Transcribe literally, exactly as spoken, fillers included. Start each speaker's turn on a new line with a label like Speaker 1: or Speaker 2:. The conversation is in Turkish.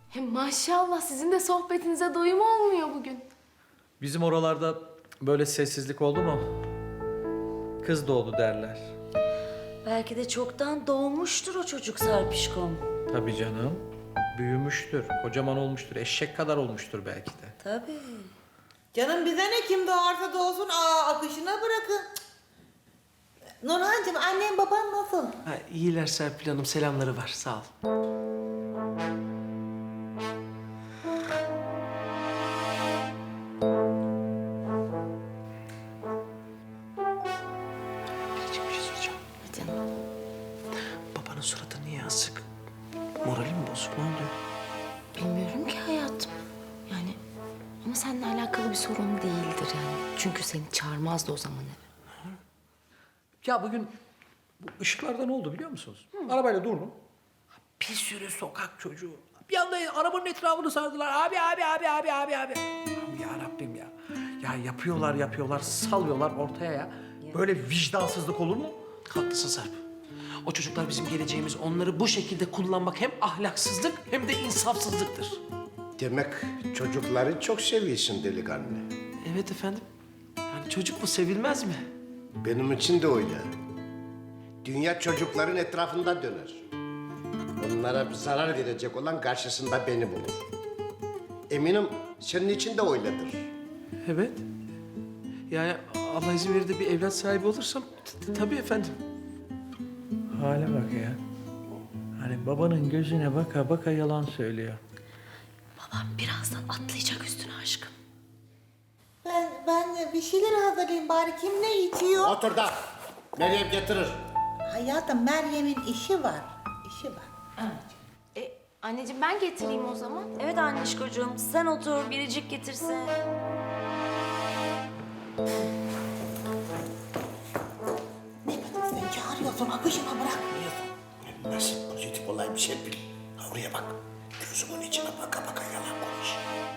Speaker 1: Hem maşallah sizin de sohbetinize doyum olmuyor bugün.
Speaker 2: Bizim oralarda böyle sessizlik oldu mu? Kız doğdu derler.
Speaker 3: Belki de çoktan doğmuştur o çocuk Serpişkom.
Speaker 2: Tabii canım. Büyümüştür, kocaman olmuştur, eşek kadar olmuştur belki de.
Speaker 3: Tabii.
Speaker 4: Canım bize ne, kim doğarsa doğsun, aa akışına bırakın. Nurhancığım, annem baban nasıl?
Speaker 5: Ha, iyiler Serpil Hanım, selamları var. Sağ ol. Biricik bir şey soracağım.
Speaker 3: Canım.
Speaker 5: Babanın suratı niye asık? Morali mi bozuk? Ne oluyor?
Speaker 1: Bilmiyorum ki hayatım. Yani ama seninle alakalı bir sorun değildir yani. Çünkü seni çağırmazdı o zaman eve.
Speaker 2: Ya bugün bu ışıklarda ne oldu biliyor musunuz? Arabayla durdum. Bir sürü sokak çocuğu. Bir anda arabanın etrafını sardılar. Abi, abi, abi, abi, abi, abi. Allah'ım ya Rabbim ya. Ya yapıyorlar, yapıyorlar, salıyorlar ortaya ya. Böyle vicdansızlık olur mu?
Speaker 5: Haklısın Serp. O çocuklar bizim geleceğimiz. Onları bu şekilde kullanmak hem ahlaksızlık hem de insafsızlıktır.
Speaker 6: Demek çocukları çok seviyorsun delikanlı.
Speaker 5: Evet efendim. Yani çocuk mu, sevilmez mi?
Speaker 6: Benim için de öyle. Dünya çocukların etrafında döner. Onlara bir zarar verecek olan karşısında beni bulur. Eminim senin için de öyledir.
Speaker 5: Evet. Yani Allah izin verir de bir evlat sahibi olursam t- t- tabii efendim.
Speaker 2: Hale bak ya. Hani babanın gözüne baka baka yalan söylüyor.
Speaker 3: Babam birazdan atlayacak üstüne aşkım.
Speaker 4: Ben, ben de bir şeyler hazırlayayım bari, kim ne içiyor?
Speaker 6: Otur da Meryem getirir.
Speaker 4: Hayatım, Meryem'in işi var, işi var.
Speaker 1: E, anneciğim ben getireyim o zaman.
Speaker 3: Evet anneşkocuğum, sen otur, biricik getirsin.
Speaker 4: Ne bileyim, sen çağırıyorsun, akışına bırakmıyorsun.
Speaker 6: Nasıl pozitif olayım Serpil? Ha, oraya bak. Gözümün içine baka baka yalan konuş.